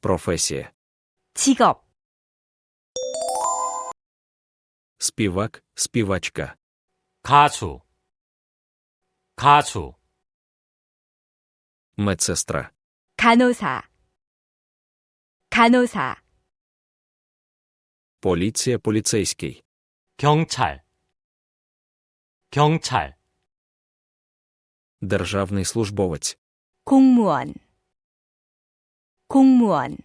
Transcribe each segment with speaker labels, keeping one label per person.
Speaker 1: професія,
Speaker 2: 직업,
Speaker 1: співак, співачка,
Speaker 3: 가수, 가수,
Speaker 1: медсестра,
Speaker 2: 간호사, 간호사,
Speaker 1: поліція, поліцейський,
Speaker 3: 경찰, 경찰,
Speaker 1: державний службовець,
Speaker 2: 공무원, 공무원,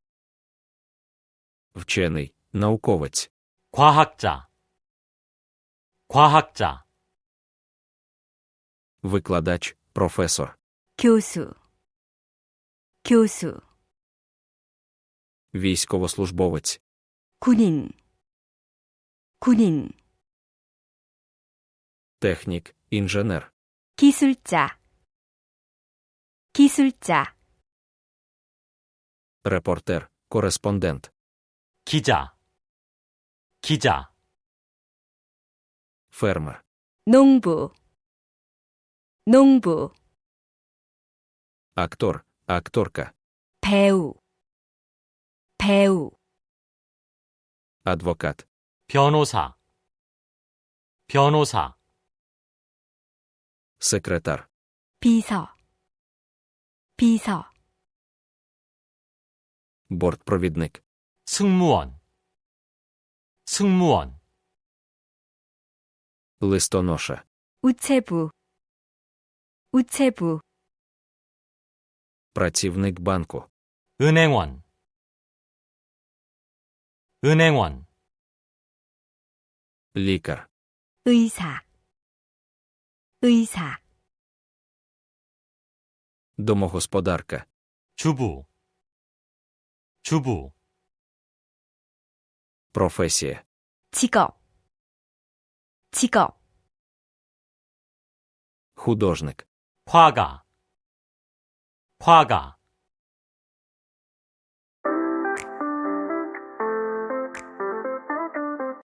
Speaker 1: вчений, науковець,
Speaker 3: 과학자, 과학자,
Speaker 1: викладач, професор,
Speaker 2: 교수, 교수,
Speaker 1: військовослужбовець,
Speaker 2: 군인, 군인,
Speaker 1: технік, інженер,
Speaker 2: 기술자, 기술자,
Speaker 1: репортер, кореспондент,
Speaker 3: 기자, 기자,
Speaker 1: фермер,
Speaker 2: 농부, 농부,
Speaker 1: актор, акторка,
Speaker 2: 배우, 배우,
Speaker 1: адвокат,
Speaker 3: 변호사, 변호사,
Speaker 1: секретар,
Speaker 2: 비서, 비서,
Speaker 1: бортпровідник,
Speaker 3: 승무원, 승무원,
Speaker 1: листоноша,
Speaker 2: 우체부, 우체부,
Speaker 1: працівник банку,
Speaker 3: 은행원, 은행원,
Speaker 1: лікар,
Speaker 2: 의사, 의사,
Speaker 1: домогосподарка,
Speaker 3: 주부, 주부,
Speaker 1: професія,
Speaker 2: 직업, 직업,
Speaker 1: художник,
Speaker 3: 화가, 화가,